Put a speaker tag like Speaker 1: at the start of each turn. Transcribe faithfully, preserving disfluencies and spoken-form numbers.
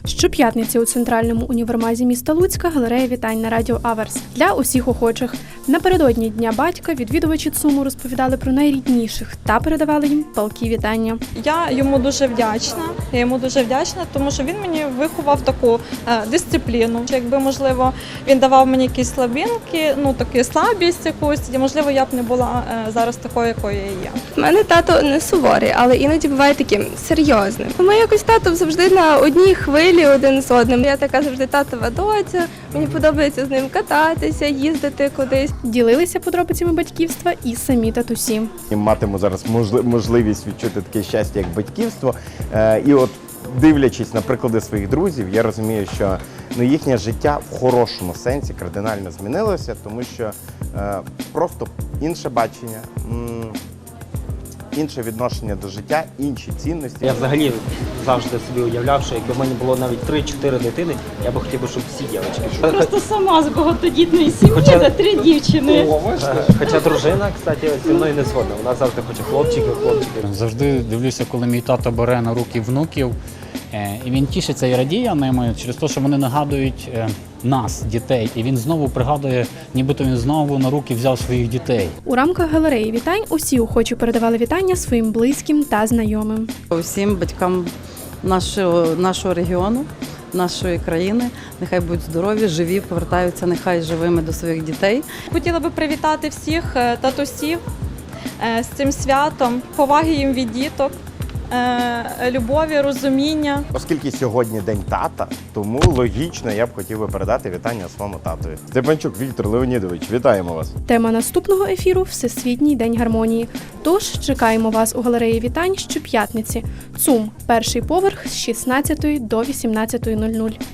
Speaker 1: Щоп'ятниці у центральному універмазі міста Луцька галерея вітань на радіо Аверс для усіх охочих. Напередодні Дня батька відвідувачі ЦУМу розповідали про найрідніших та передавали їм палкі вітання.
Speaker 2: Я йому дуже вдячна. Я йому дуже вдячна, тому що він мені виховав таку е, дисципліну. Якби, можливо, він давав мені якісь слабинки, ну таку слабість якусь, і, можливо, я б не була е, зараз такою, якою я є.
Speaker 3: У мене тато не суворий, але іноді буває таким серйозним. Ми якось тато завжди на одній хвилі один з одним. Я така завжди татова доця, мені подобається з ним кататися, їздити кудись.
Speaker 1: Ділилися подробицями батьківства і самі татусі.
Speaker 4: Матиму зараз можливість відчути таке щастя, як батьківство. І от, дивлячись на приклади своїх друзів, я розумію, що ну, їхнє життя в хорошому сенсі кардинально змінилося, тому що е, просто інше бачення, м, інше відношення до життя, інші цінності.
Speaker 5: Я взагалі завжди собі уявляв, що якби в мене було навіть три-чотири дитини, я б хотів, щоб всі дівчатки.
Speaker 6: Просто сама з багатодітної сім'ї,
Speaker 5: Хоча-
Speaker 6: де три дівчини.
Speaker 5: Хоча дружина, кстати, зі мною не згодна. Вона завжди хоче хлопчиків, хлопчиків.
Speaker 7: Завжди дивлюся, коли мій тато бере на руки внуків, е, і він тішиться і радіє ними через те, що вони нагадують е, нас, дітей, і він знову пригадує, нібито він знову на руки взяв своїх дітей.
Speaker 1: У рамках галереї вітань усі охочі передавали вітання своїм близьким та знайомим.
Speaker 8: Усім батькам нашого, нашого регіону, нашої країни, нехай будуть здорові, живі, повертаються нехай живими до своїх дітей.
Speaker 2: Хотіла би привітати всіх е, татусів е, з цим святом, поваги їм від діток, е, любові, розуміння.
Speaker 4: Оскільки сьогодні День тата, тому логічно я б хотів би передати вітання своєму татові. Степанчук Віктор Леонідович, вітаємо вас!
Speaker 1: Тема наступного ефіру – Всесвітній день гармонії. Тож чекаємо вас у галереї вітань щоп'ятниці. ЦУМ, перший поверх з шістнадцятої до вісімнадцятої нуль нуль.